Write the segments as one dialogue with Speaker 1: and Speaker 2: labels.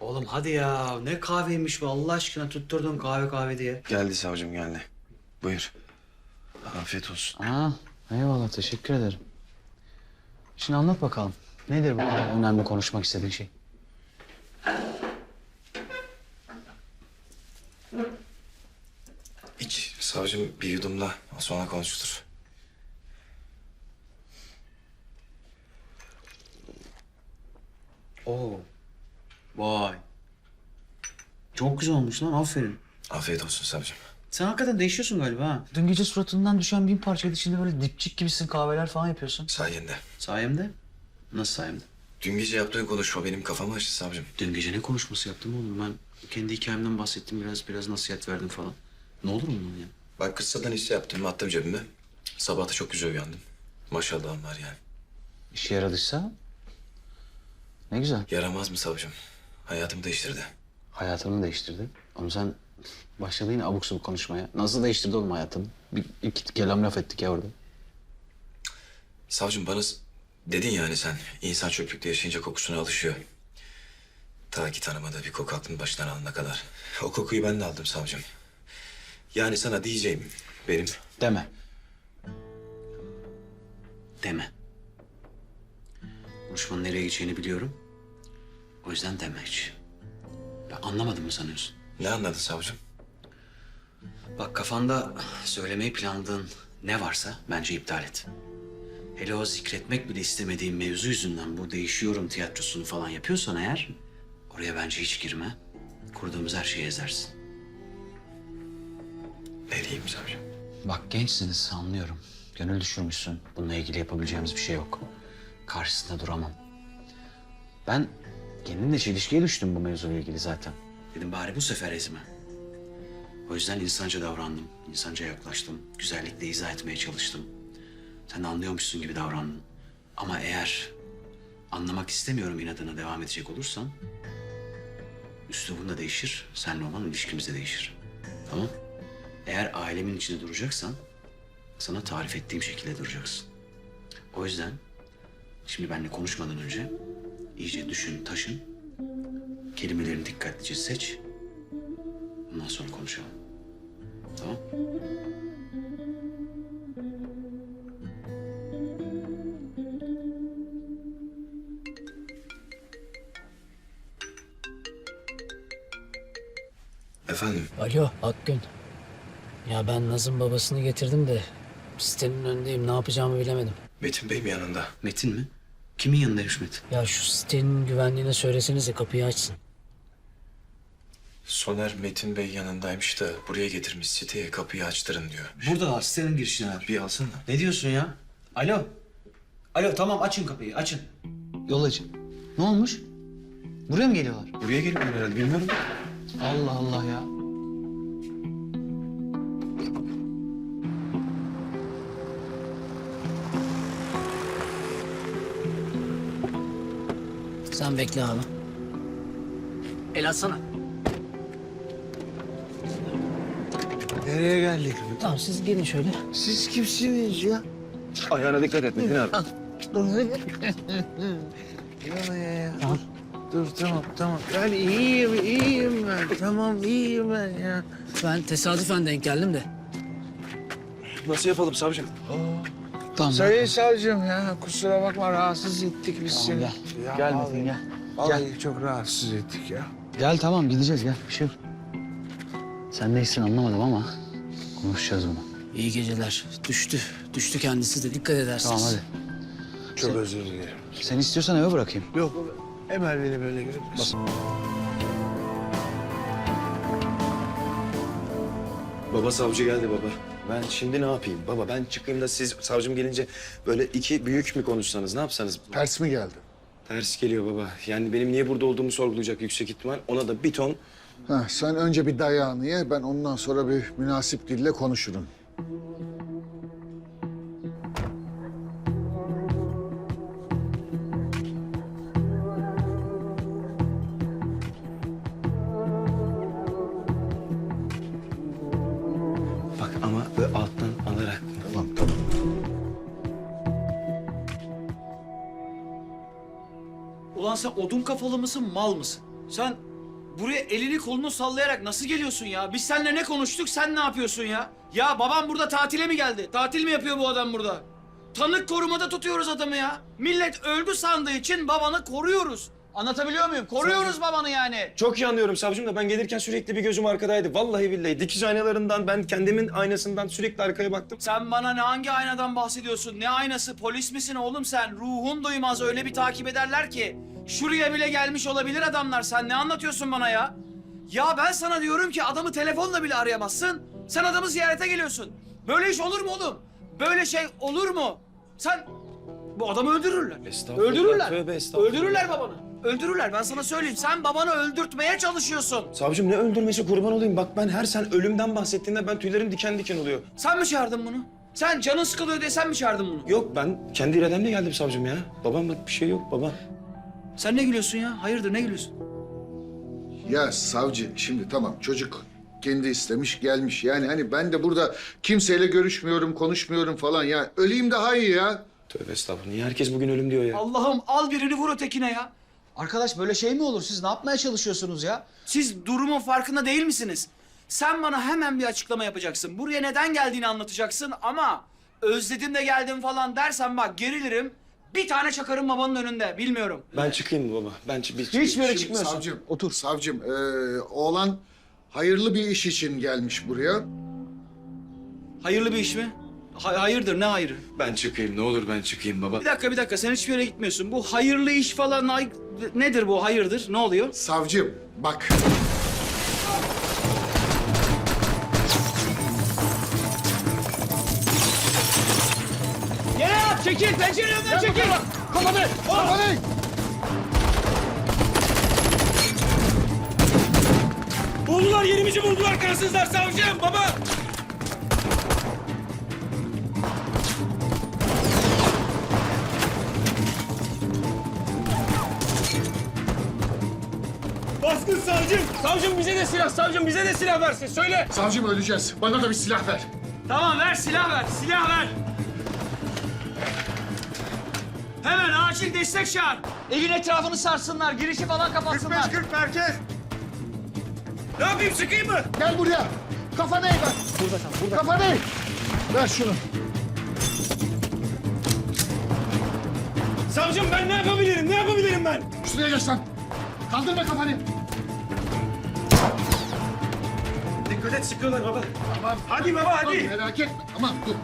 Speaker 1: Oğlum hadi ya. Ne kahveymiş bu Allah aşkına tutturdun kahve kahve diye.
Speaker 2: Geldi savcım geldi. Buyur. Afiyet olsun.
Speaker 1: Aa, eyvallah teşekkür ederim. Şimdi anlat bakalım. Nedir bu önemli konuşmak istediğin şey?
Speaker 2: İç savcım bir yudumla sonra konuşulur.
Speaker 1: Oo. Vay. Çok güzel olmuş lan aferin.
Speaker 2: Afiyet olsun savcım.
Speaker 1: Sen hakikaten değişiyorsun galiba ha. Dün gece suratından düşen 1000 parçaydı. Şimdi böyle dipçik gibisin kahveler falan yapıyorsun.
Speaker 2: Sayende.
Speaker 1: Sayemde? Nasıl sayemde?
Speaker 2: Dün gece yaptığın konuşma benim kafamı açtı savcım.
Speaker 1: Dün gece ne konuşması yaptım oğlum ben? Kendi hikayemden bahsettim biraz nasihat verdim falan. Ne olur mu bunun ya?
Speaker 2: Ben kıssadan hisse yaptım attım cebime. Sabah da çok güzel uyandım. Maşallahım var yani.
Speaker 1: İşe yaradıysa ne güzel.
Speaker 2: Yaramaz mı savcım? Hayatımı değiştirdi.
Speaker 1: Hayatını değiştirdi. Ama sen başladın yine abuk sabuk konuşmaya. Nasıl değiştirdi oğlum hayatını? İki kelam laf ettik ya orada.
Speaker 2: Savcım bana dedin yani sen insan çöplükte yaşayınca kokusuna alışıyor. Ta ki tanımadığı bir koku aklını baştan alana kadar. O kokuyu ben de aldım savcım. Yani sana diyeceğim benim.
Speaker 1: Deme. Deme. Konuşmanın nereye gideceğini biliyorum. O yüzden deme hiç. Ben anlamadım mı sanıyorsun?
Speaker 2: Ne anladın savcım?
Speaker 1: Bak kafanda söylemeyi planladığın ne varsa bence iptal et. Hele o zikretmek bile istemediğin mevzu yüzünden bu değişiyorum tiyatrosunu falan yapıyorsan eğer... ...oraya bence hiç girme. Kurduğumuz her şeyi ezersin.
Speaker 2: Ne diyeyim savcım?
Speaker 1: Bak gençsiniz anlıyorum. Gönül düşürmüşsün. Bununla ilgili yapabileceğimiz bir şey yok. Karşısında duramam. Ben kendimle çelişkiye düştüm bu mevzuyla ilgili zaten. Dedim bari bu sefer ezme. O yüzden insanca davrandım. İnsanca yaklaştım. Güzellikle izah etmeye çalıştım. Sen de anlıyormuşsun gibi davrandın. Ama eğer anlamak istemiyorum inadına devam edecek olursan... ...üslubun da değişir, seninle olan ilişkimiz de değişir. Tamam? Eğer ailemin içinde duracaksan... ...sana tarif ettiğim şekilde duracaksın. O yüzden şimdi benimle konuşmadan önce... ...iyice düşün, taşın... ...kelimelerini dikkatlice seç... ...ondan sonra konuşalım. Tamam?
Speaker 2: Efendim?
Speaker 3: Alo Akgün. Ya ben Naz'ın babasını getirdim de sitenin önündeyim. Ne yapacağımı bilemedim.
Speaker 2: Metin Bey mi yanında?
Speaker 1: Metin mi? Kimin yanındaymış Metin?
Speaker 3: Ya şu sitenin güvenliğine söylesenize kapıyı açsın.
Speaker 2: Soner Metin Bey yanındaymış da buraya getirmiş siteye kapıyı açtırın diyor.
Speaker 1: Burada sitenin girişine ver.
Speaker 2: Bir alsana.
Speaker 1: Ne diyorsun ya? Alo. Alo tamam açın kapıyı açın. Yol açın. Ne olmuş? Buraya mı geliyorlar?
Speaker 2: Buraya geliyorlar herhalde bilmiyorum.
Speaker 1: Allah Allah ya.
Speaker 3: Sen bekle abi. El atsana.
Speaker 4: Nereye geldik?
Speaker 3: Tamam siz gelin şöyle.
Speaker 4: Siz kimsiniz ya?
Speaker 2: Ayağına dikkat et Metin abi.
Speaker 4: Ya. Dur tamam. Ben iyiyim ben. Tamam iyiyim ben ya.
Speaker 3: Ben tesadüfen denk geldim de.
Speaker 2: Nasıl yapalım savcım?
Speaker 1: Tamam.
Speaker 4: Sayın savcım ya kusura bakma rahatsız ettik biz seni.
Speaker 1: gel.
Speaker 4: Ya,
Speaker 1: Gel
Speaker 4: vallahi-
Speaker 1: Metin gel.
Speaker 4: Vallahi çok rahatsız ettik ya.
Speaker 1: Gel tamam gideceğiz gel. Bir şey yok. Sen neysin anlamadım ama konuşacağız bunu.
Speaker 3: İyi geceler. Düştü kendisi de dikkat edersiniz.
Speaker 1: Tamam hadi.
Speaker 4: Çok özür dilerim.
Speaker 1: Sen istiyorsan eve bırakayım.
Speaker 4: Yok Emel beni böyle görmesin.
Speaker 2: Baba savcı geldi baba. Ben şimdi ne yapayım? Baba ben çıkayım da siz savcım gelince böyle iki büyük mü konuşsanız ne yapsanız?
Speaker 4: Ters mi geldi?
Speaker 2: Ters geliyor baba. Yani benim niye burada olduğumu sorgulayacak yüksek ihtimal. Ona da bir ton.
Speaker 5: Ha, sen önce bir dayağını ye, ben ondan sonra bir münasip dille konuşurum.
Speaker 2: Bak ama böyle alttan alarak.
Speaker 5: Tamam.
Speaker 1: Ulan sen odun kafalı mısın mal mısın? Sen
Speaker 6: buraya elini kolunu sallayarak nasıl geliyorsun ya? Biz seninle ne konuştuk, sen ne yapıyorsun ya? Ya babam burada tatile mi geldi? Tatil mi yapıyor bu adam burada? Tanık korumada tutuyoruz adamı ya. Millet öldü sandığı için babanı koruyoruz. Anlatabiliyor muyum? Koruyoruz babanı yani.
Speaker 2: Çok iyi anlıyorum savcım da ben gelirken sürekli bir gözüm arkadaydı. Vallahi billahi dikiz aynalarından ben kendimin aynasından sürekli arkaya baktım.
Speaker 6: Sen bana ne hangi aynadan bahsediyorsun? Ne aynası? Polis misin oğlum sen? Ruhun duymaz, öyle bir takip ederler ki. Şuraya bile gelmiş olabilir adamlar. Sen ne anlatıyorsun bana ya? Ya ben sana diyorum ki adamı telefonla bile arayamazsın. Sen adamı ziyarete geliyorsun. Böyle iş olur mu oğlum? Böyle şey olur mu? Sen bu adamı öldürürler.
Speaker 2: Estağfurullah,
Speaker 6: Öldürürler.
Speaker 2: tövbe estağfurullah.
Speaker 6: Öldürürler babanı. Öldürürler. Ben sana söyleyeyim. Sen babanı öldürtmeye çalışıyorsun.
Speaker 2: Savcım ne öldürmesi kurban olayım. Bak ben her sen ölümden bahsettiğinde ben tüylerim diken diken oluyor.
Speaker 6: Sen mi çağırdın bunu? Sen canın sıkılıyor diye sen mi çağırdın bunu?
Speaker 2: Yok ben kendi irademle geldim savcım ya. Babamla bir şey yok baba.
Speaker 6: Sen ne gülüyorsun ya? Hayırdır ne gülüyorsun?
Speaker 5: Ya savcı şimdi tamam çocuk kendi istemiş gelmiş. Yani hani ben de burada kimseyle görüşmüyorum, konuşmuyorum falan. Ya öleyim daha iyi ya.
Speaker 2: Tövbe estağfurullah. Niye herkes bugün ölüm diyor ya?
Speaker 6: Allah'ım al birini vur ötekine ya.
Speaker 1: Arkadaş böyle şey mi olur? Siz ne yapmaya çalışıyorsunuz ya?
Speaker 6: Siz durumun farkında değil misiniz? Sen bana hemen bir açıklama yapacaksın. Buraya neden geldiğini anlatacaksın ama özledim de geldim falan dersen bak gerilirim. Bir tane çakarım babanın önünde. Bilmiyorum.
Speaker 2: Ben çıkayım mı baba?
Speaker 6: Hiçbir yere
Speaker 5: Şimdi
Speaker 6: çıkmıyorsun.
Speaker 5: savcım, otur. Savcım, oğlan hayırlı bir iş için gelmiş buraya.
Speaker 6: Hayırlı bir iş mi? Hayırdır ne hayırı?
Speaker 2: Ben çıkayım ne olur ben çıkayım baba.
Speaker 6: Bir dakika sen hiçbir yere gitmiyorsun. Bu hayırlı iş falan nedir bu hayırdır? Ne oluyor?
Speaker 5: Savcım, bak.
Speaker 6: Yere yap çekil pencerenin önünden çekil.
Speaker 5: Kafanı! Kafanı!
Speaker 2: Buldular yerimizi buldular kansızlar savcım baba. Baskın savcım. Savcım bize de silah savcım bize de silah versin söyle.
Speaker 5: Savcım öleceğiz. Bana da bir silah ver.
Speaker 6: Tamam ver silah ver Hemen acil destek çağır. Evin etrafını sarsınlar, girişi falan kapatsınlar.
Speaker 5: 40 merkez.
Speaker 2: Ne yapayım sıkayım mı?
Speaker 5: Gel buraya. Kafanı eğ bak. Burada kal, burada. Kafanı eğ. Ver şunu.
Speaker 2: Savcım ben ne yapabilirim ben?
Speaker 5: Şuraya geç lan. Kaldırma kafanı.
Speaker 2: Dikkat et sıkıyorlar baba.
Speaker 5: Tamam.
Speaker 2: Hadi baba
Speaker 5: Tamam,
Speaker 2: hadi.
Speaker 5: merak etme. Tamam dur.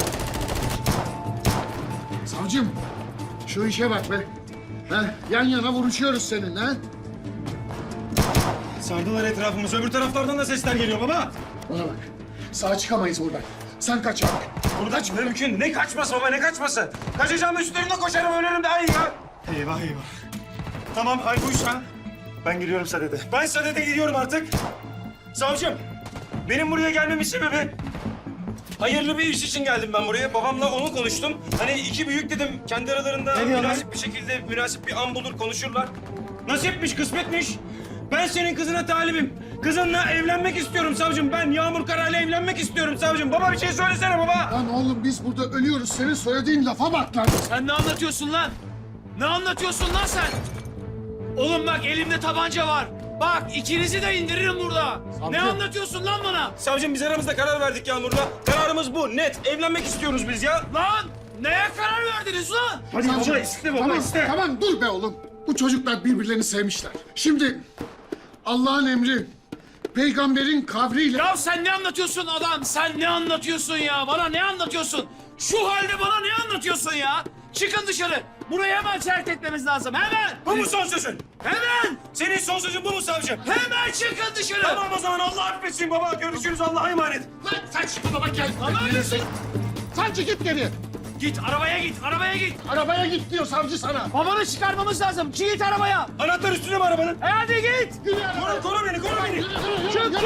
Speaker 5: Savcım, şu işe bak be. Ha, yan yana vuruşuyoruz seninle ha.
Speaker 2: Sardılar etrafımızı öbür taraflardan da sesler geliyor baba.
Speaker 5: Bana bak. Sağ çıkamayız buradan. Sen kaç abi.
Speaker 2: Burada mümkün. Ne kaçması baba ne kaçması? Kaçacağım üstlerine koşarım ölürüm daha iyi ya. Eyvah. Tamam hal buysa ben gidiyorum Sadede. Ben Sadede gidiyorum artık. Savcım benim buraya gelmemin sebebi hayırlı bir iş için geldim ben buraya. Babamla onu konuştum. Hani iki büyük dedim kendi aralarında münasip bir şekilde münasip bir an bulur konuşurlar. Nasipmiş kısmetmiş. Ben senin kızına talibim. Kızınla evlenmek istiyorum savcım. Ben Yağmur Kara'yla evlenmek istiyorum savcım. Baba bir şey söylesene baba.
Speaker 5: Lan oğlum biz burada ölüyoruz. Senin söylediğin lafa bak lan.
Speaker 6: Sen ne anlatıyorsun lan? Ne anlatıyorsun lan sen? Oğlum bak elimde tabanca var. Bak ikinizi de indiririm burada. Ne anlatıyorsun lan bana?
Speaker 2: Savcım biz aramızda karar verdik Yağmur'la. Kararımız bu net. Evlenmek istiyoruz biz ya.
Speaker 6: Lan neye karar verdiniz lan?
Speaker 2: Hadi
Speaker 5: Savcım,
Speaker 2: baba iste baba
Speaker 5: tamam,
Speaker 2: iste.
Speaker 5: Tamam dur be oğlum. Bu çocuklar birbirlerini sevmişler. Şimdi Allah'ın emri, peygamberin kavriyle...
Speaker 6: Ya sen ne anlatıyorsun adam? Sen ne anlatıyorsun ya? Bana ne anlatıyorsun? Şu halde bana ne anlatıyorsun ya? Çıkın dışarı. Burayı hemen terk etmemiz lazım. Hemen.
Speaker 2: Bu mu son sözün?
Speaker 6: Hemen.
Speaker 2: Senin son sözün bu mu savcım?
Speaker 6: Hemen çıkın dışarı.
Speaker 2: Tamam o zaman Allah affetsin baba. Görüşürüz Allah'a emanet.
Speaker 5: Lan sen şu baba gel.
Speaker 6: Tamam.
Speaker 5: Savcı git geri.
Speaker 6: Git arabaya git. Arabaya git.
Speaker 5: Arabaya git diyor savcı sana.
Speaker 6: Babanı çıkarmamız lazım. Git arabaya.
Speaker 2: Anahtar üstüne mi arabanın?
Speaker 6: Hadi git.
Speaker 2: Koru beni koru beni.
Speaker 6: Çık.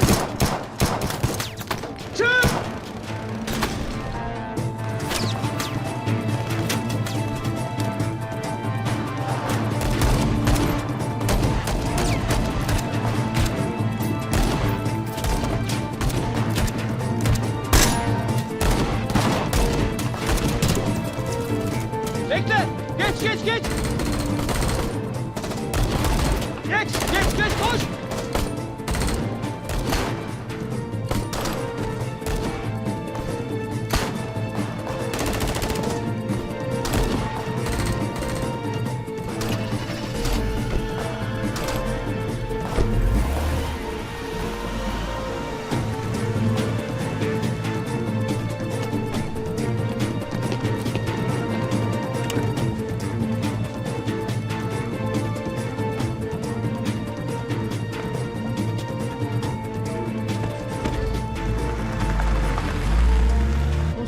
Speaker 6: Çık. Bekle. Geç. Geç koş.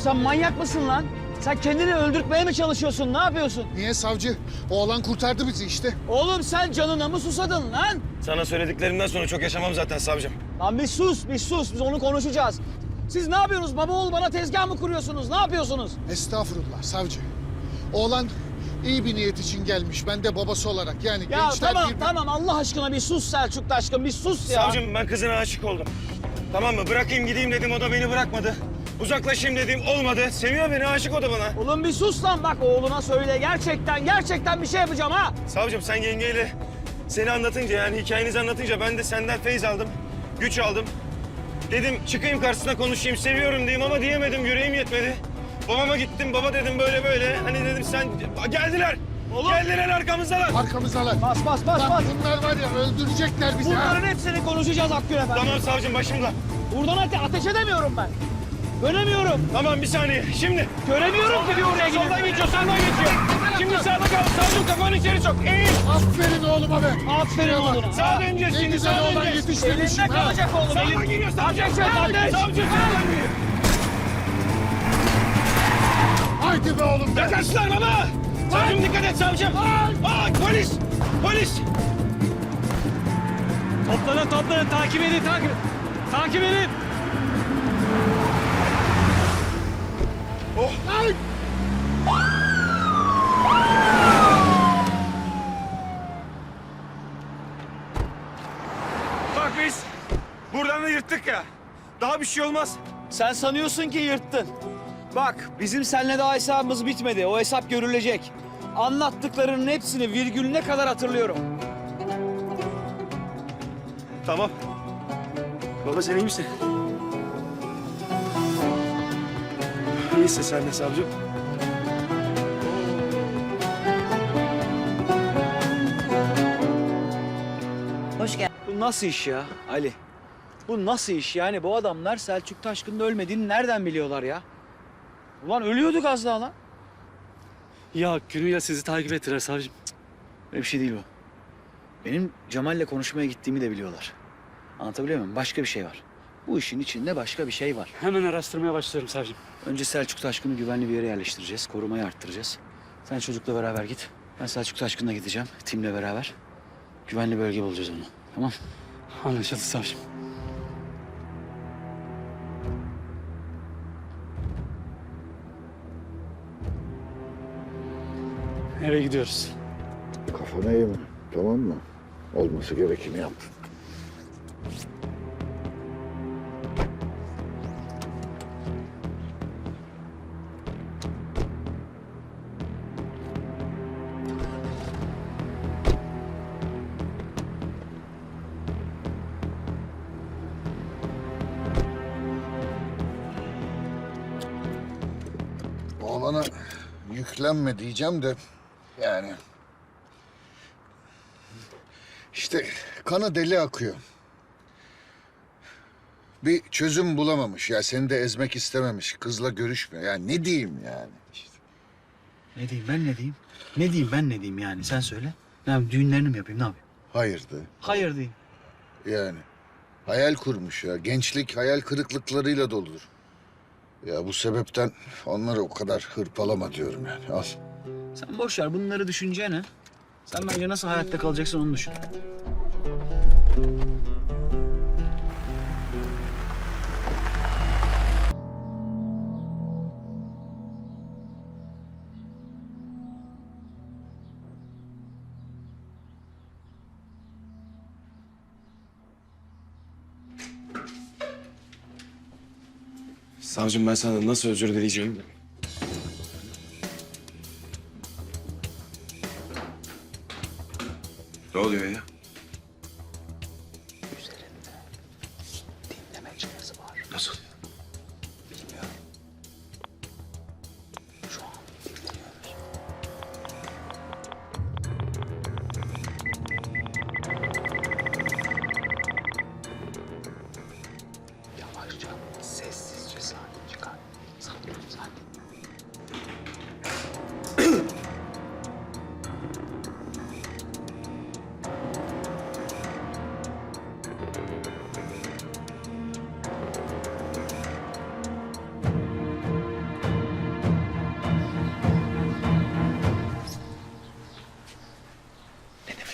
Speaker 6: sen manyak mısın lan? Sen kendini öldürtmeye mi çalışıyorsun? Ne yapıyorsun?
Speaker 5: Niye savcı? Oğlan kurtardı bizi işte.
Speaker 6: Oğlum sen canına mı susadın lan?
Speaker 2: Sana söylediklerimden sonra çok yaşamam zaten savcım.
Speaker 6: Lan bir sus, bir sus. Biz onu konuşacağız. Siz ne yapıyorsunuz? Baba oğul bana tezgah mı kuruyorsunuz? Ne yapıyorsunuz?
Speaker 5: Estağfurullah savcı. Oğlan iyi bir niyet için gelmiş. Ben de babası olarak yani
Speaker 6: Ya
Speaker 5: gençler
Speaker 6: tamam
Speaker 5: birbirini-
Speaker 6: tamam Allah aşkına bir sus Selçuk Taşkın bir sus ya.
Speaker 2: Savcım ben kızına aşık oldum. Tamam mı? Bırakayım gideyim dedim, o da beni bırakmadı. Uzaklaşayım dedim, olmadı. Seviyor beni, aşık o da bana.
Speaker 6: Oğlum bir sus lan bak oğluna söyle gerçekten bir şey yapacağım ha.
Speaker 2: Savcım sen yengeyle seni anlatınca, yani hikayenizi anlatınca ben de senden feyz aldım, güç aldım. Dedim çıkayım karşısına konuşayım, seviyorum diyeyim ama diyemedim, yüreğim yetmedi. Babama gittim, baba dedim böyle böyle. Hani dedim sen, geldiler.
Speaker 6: Oğlum.
Speaker 2: Geldiler arkamızdalar.
Speaker 5: Arkamızdalar.
Speaker 6: Bas
Speaker 5: Lan bunlar var ya öldürecekler bizi ha.
Speaker 6: Bunların hepsini konuşacağız Akgün Efendi.
Speaker 2: Tamam savcım başımda.
Speaker 6: Buradan ateş edemiyorum ben. Göremiyorum.
Speaker 2: Tamam bir saniye, şimdi.
Speaker 6: Göremiyorum ki bir oraya gidip.
Speaker 2: Soldan geçiyor, sağdan geçiyor. Şimdi sağda kal, savcım kafanı içeri sok. Eğil.
Speaker 5: Aferin oğluma be.
Speaker 6: Aferin oğluna.
Speaker 2: Sağa döneceğiz
Speaker 5: Ne
Speaker 2: şimdi,
Speaker 5: güzel
Speaker 2: sağa
Speaker 5: oğlan
Speaker 2: döneceğiz.
Speaker 5: yetiştirmişim
Speaker 6: Elinde
Speaker 5: ha.
Speaker 6: kalacak oğlum.
Speaker 2: Sağdan geliyor savcım.
Speaker 6: Ateş et ateş.
Speaker 2: Savcım sağdan geliyor.
Speaker 5: Haydi be oğlum be.
Speaker 2: Yaklaştılar baba. Savcım dikkat et savcım. Aa, polis. Polis.
Speaker 6: Toplanın takip edin takip edin.
Speaker 2: Bak biz buradan da yırttık ya. Daha bir şey olmaz.
Speaker 6: Sen sanıyorsun ki yırttın. Bak bizim seninle daha hesabımız bitmedi. O hesap görülecek. Anlattıklarının hepsini virgülüne kadar hatırlıyorum.
Speaker 2: Tamam. Baba sen iyi misin? İyisin sen de savcım.
Speaker 7: Hoş geldin.
Speaker 6: Bu nasıl iş ya Ali? Bu nasıl iş yani? Bu adamlar Selçuk Taşkın'ın ölmediğini nereden biliyorlar ya? Ulan ölüyorduk az daha lan.
Speaker 8: Ya günüyle sizi takip ettiler savcım.
Speaker 6: Öyle bir şey değil bu. Benim Cemal'le konuşmaya gittiğimi de biliyorlar. Anlatabiliyor muyum? Başka bir şey var. Bu işin içinde başka bir şey var.
Speaker 8: Hemen araştırmaya başlıyorum savcım.
Speaker 6: Önce Selçuk Taşkın'ı güvenli bir yere yerleştireceğiz. Korumayı arttıracağız. Sen çocukla beraber git. Ben Selçuk Taşkın'la gideceğim. Timle beraber. Güvenli bölge bulacağız onu. Tamam.
Speaker 8: Anlaşıldı savcım. Eve gidiyoruz.
Speaker 5: Kafana yeme, tamam mı? Olması gerekeni yaptın. Oğlana yüklenme diyeceğim de yani... İşte kanı deli akıyor. Bir çözüm bulamamış ya, seni de ezmek istememiş. Kızla görüşmüyor. Ya ne diyeyim yani? İşte.
Speaker 1: Ne diyeyim ben ne diyeyim? Ne diyeyim ben ne diyeyim yani sen söyle. Ne yapayım düğünlerini mi yapayım ne yapayım?
Speaker 5: Hayırdı
Speaker 1: Hayır diyeyim.
Speaker 5: yani. Hayal kurmuş ya. Gençlik hayal kırıklıklarıyla doludur. Ya bu sebepten onları o kadar hırpalama diyorum yani. Al.
Speaker 1: Sen boş ver bunları düşüneceğine. Sen bence nasıl hayatta kalacaksın onu düşün.
Speaker 2: Savcım ben sana nasıl özür dileyeceğim? Ne oluyor ya?
Speaker 1: Dinleme cihazı var.
Speaker 2: Nasıl?
Speaker 1: Bilmiyorum. Şu an dinleniyoruz. Yavaşça, sessizce sakin çıkar. Sakin, sakin.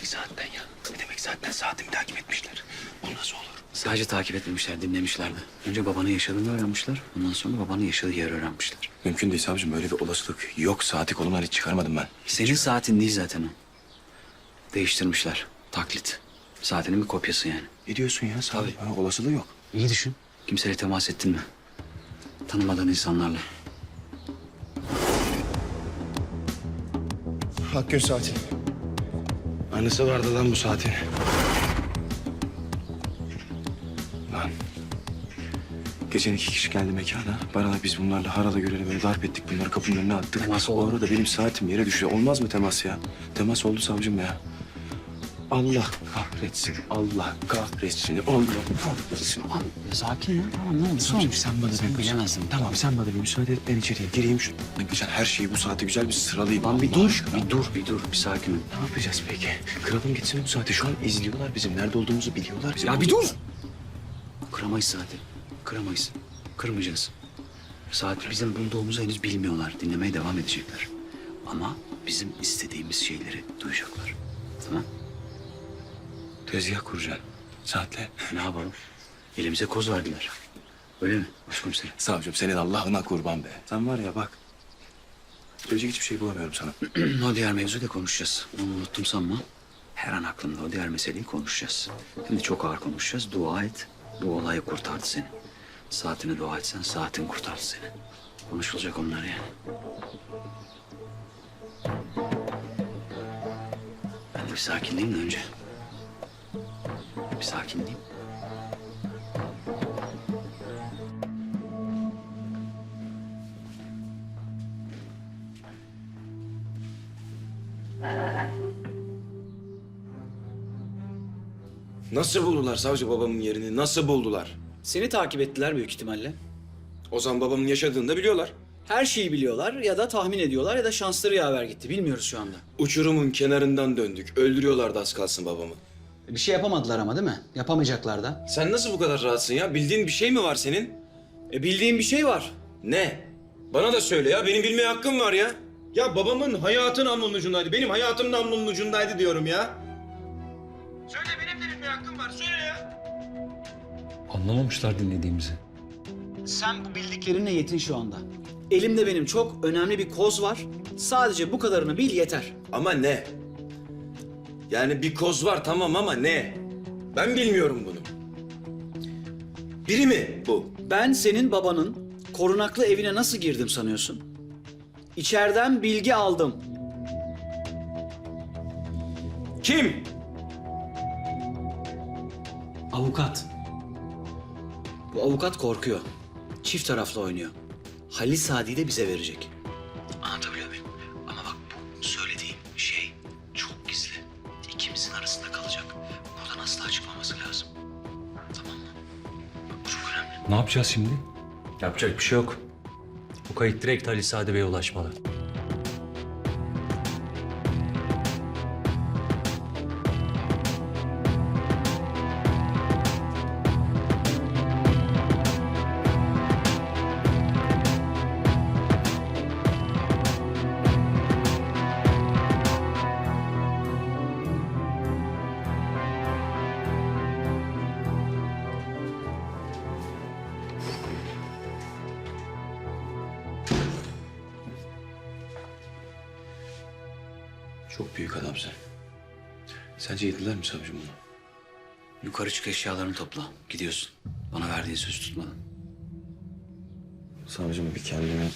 Speaker 2: demek saatten ya? Ne demek saatten? Saatimi takip etmişler. Bu nasıl olur?
Speaker 1: Sadece takip etmemişler, dinlemişlerdi. Önce babanın yaşadığını öğrenmişler. Ondan sonra babanın yaşadığı yeri öğrenmişler.
Speaker 2: Mümkün değil savcım. Öyle bir olasılık yok. Saati kolumdan hiç çıkarmadım ben.
Speaker 1: Senin saatin değil zaten o. Değiştirmişler. Taklit. Saatinin bir kopyası yani.
Speaker 2: Ne diyorsun ya savcım? Ha, olasılığı yok.
Speaker 1: İyi düşün. Kimseyle temas ettin mi? Tanımadığın insanlarla.
Speaker 2: Akgün saati. Annesi vardı lan bu saatin. Lan. Geçen 2 kişi geldi mekana. Bana biz bunlarla harala göreli böyle darp ettik. Bunları kapının önüne attık.
Speaker 1: Temas
Speaker 2: O
Speaker 1: oldu.
Speaker 2: arada benim saatim yere düştü. Olmaz mı temas ya? Temas oldu savcım ya. Allah kahretsin. Allah kahretsin. Allah kahretsin.
Speaker 1: Tamam, sakin ya. Tamam, ne oldu?
Speaker 2: Savcım sen bana
Speaker 1: Sen bilemezsin.
Speaker 2: Tamam sen bana bir müsaade et. Ben içeriye gireyim şu. Geçen her şeyi bu saate güzel bir sıralayayım.
Speaker 1: Lan bir
Speaker 2: Allah
Speaker 1: dur,
Speaker 2: aşkına.
Speaker 1: bir dur. Bir sakin ol.
Speaker 2: Ne yapacağız peki? Kıralım gitsin bu saate. Şu an izliyorlar bizim. Nerede olduğumuzu biliyorlar. Bizim
Speaker 1: Ya bir dur! Kıramayız saati. Kıramayız. Kırmayacağız. Saat bizim bulduğumuzu henüz bilmiyorlar. Dinlemeye devam edecekler. Ama bizim istediğimiz şeyleri duyacaklar. Tamam?
Speaker 2: Tezgah kuracaksın. Saatle.
Speaker 1: Ne yapalım? Elimize koz verdiler. Öyle mi başkomiserim?
Speaker 2: Savcım senin Allah'ına kurban be. Sen var ya bak. Söyleyecek hiçbir şey bulamıyorum sana.
Speaker 1: O diğer mevzuyu da konuşacağız. Onu unuttum sanma. Her an aklımda o diğer meseleyi konuşacağız. Hem de çok ağır konuşacağız. Dua et. Bu olayı kurtardı seni. Saatine dua etsen saatin kurtardı seni. Konuşulacak onlar yani. Ben de bir sakinleyeyim de önce. Bir sakinleyeyim.
Speaker 2: Nasıl buldular savcı babamın yerini? Nasıl buldular?
Speaker 6: Seni takip ettiler büyük ihtimalle.
Speaker 2: O zaman babamın yaşadığını da biliyorlar.
Speaker 6: Her şeyi biliyorlar ya da tahmin ediyorlar ya da şansları yaver gitti. Bilmiyoruz şu anda.
Speaker 2: Uçurumun kenarından döndük. Öldürüyorlardı az kalsın babamı.
Speaker 1: Bir şey yapamadılar ama değil mi? Yapamayacaklar da.
Speaker 2: Sen nasıl bu kadar rahatsın ya? Bildiğin bir şey mi var senin?
Speaker 6: Bildiğim bir şey var.
Speaker 2: Ne? Bana da söyle ya. Benim bilmeye hakkım var ya. Ya babamın hayatı namlunun ucundaydı. Benim hayatım namlunun ucundaydı diyorum ya. Söyle benim de bilmeye hakkım var. Söyle ya.
Speaker 8: Anlamamışlar dinlediğimizi.
Speaker 6: Sen bu bildiklerinle yetin şu anda. Elimde benim çok önemli bir koz var. Sadece bu kadarını bil yeter.
Speaker 2: Ama ne? Yani bir koz var tamam ama ne? Ben bilmiyorum bunu. Biri mi bu?
Speaker 6: Ben senin babanın korunaklı evine nasıl girdim sanıyorsun? İçeriden bilgi aldım.
Speaker 2: Kim?
Speaker 6: Avukat. Bu avukat korkuyor. Çift taraflı oynuyor. Halil Sadi'yi de bize verecek.
Speaker 1: Anlatabiliyor muyum? Ama bak bu söylediğim şey çok gizli. İkimizin arasında kalacak. Buradan asla çıkmaması lazım. Tamam mı? Bak bu çok önemli.
Speaker 8: Ne yapacağız şimdi? Yapacak bir şey yok. Bu kayıt direkt Ali Sadi Bey'e ulaşmalı.
Speaker 2: Çok büyük adamsın. Sence yediler mi savcım bunu?
Speaker 1: Yukarı çık eşyalarını topla. Gidiyorsun. Bana verdiğin söz tutmadın.
Speaker 2: Savcım bir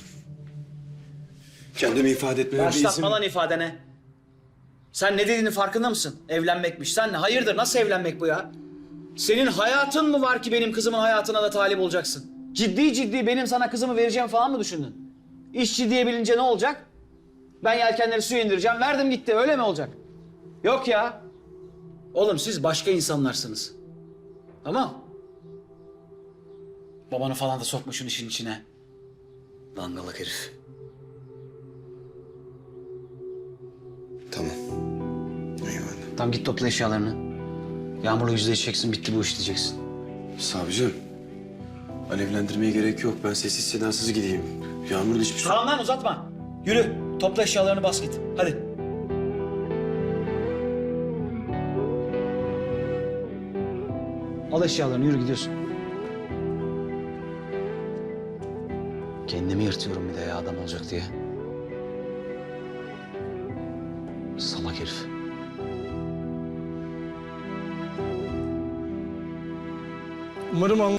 Speaker 2: kendimi ifade etmeme bir izin...
Speaker 6: Başlatma lan ifadene. Sen ne dediğinin farkında mısın? Evlenmekmiş. Sen ne? Hayırdır? Nasıl evlenmek bu ya? Senin hayatın mı var ki benim kızımın hayatına da talip olacaksın? Ciddi ciddi benim sana kızımı vereceğim falan mı düşündün? İş ciddiye bilince ne olacak? Ben yelkenleri suya indireceğim. Verdim gitti. Öyle mi olacak? Yok ya. Oğlum siz başka insanlarsınız. Tamam. Babanı falan da sokma şunun işin içine.
Speaker 1: Dangalak herif.
Speaker 2: Tamam. Eyvallah.
Speaker 1: Tamam git topla eşyalarını. Yağmur'la yüzleşeceksin. Bitti bu iş diyeceksin.
Speaker 2: Savcım. Alevlendirmeye gerek yok. Ben sessiz sedasız gideyim. Yağmur'un hiçbir şey...
Speaker 6: Tamam lan uzatma. Yürü. Topla eşyalarını bas git. Hadi. Al eşyalarını yürü gidiyorsun.
Speaker 1: Kendimi yırtıyorum bir de ya adam olacak diye. Salak herif.
Speaker 4: Umarım anla...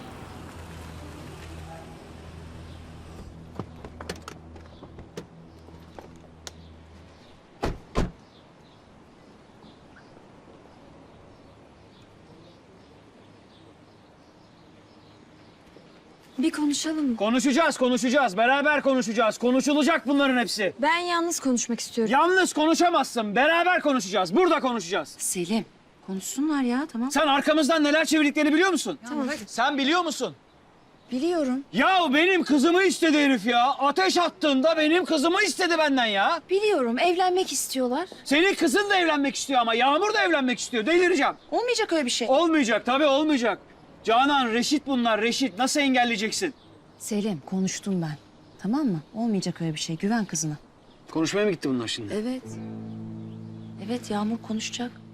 Speaker 9: Bir konuşalım.
Speaker 6: Konuşacağız. Beraber konuşacağız. Konuşulacak bunların hepsi.
Speaker 9: Ben yalnız konuşmak istiyorum.
Speaker 6: Yalnız konuşamazsın. Beraber konuşacağız. Burada konuşacağız.
Speaker 7: Selim, konuşsunlar ya, tamam.
Speaker 6: Sen arkamızdan neler çevirdiklerini biliyor musun?
Speaker 9: Tamam.
Speaker 6: Sen biliyor musun?
Speaker 9: Biliyorum.
Speaker 6: Ya benim kızımı istedi herif ya. Ateş attığında benim kızımı istedi benden ya.
Speaker 9: Biliyorum. Evlenmek istiyorlar.
Speaker 6: Senin kızın da evlenmek istiyor ama Yağmur da evlenmek istiyor. Delireceğim.
Speaker 9: Olmayacak öyle bir şey.
Speaker 6: Olmayacak tabii olmayacak. Canan, Reşit bunlar. Reşit nasıl engelleyeceksin?
Speaker 7: Selim, konuştum ben. Tamam mı? Olmayacak öyle bir şey. Güven kızına.
Speaker 6: Konuşmaya mı gitti bunlar şimdi?
Speaker 7: Evet. Evet, Yağmur konuşacak.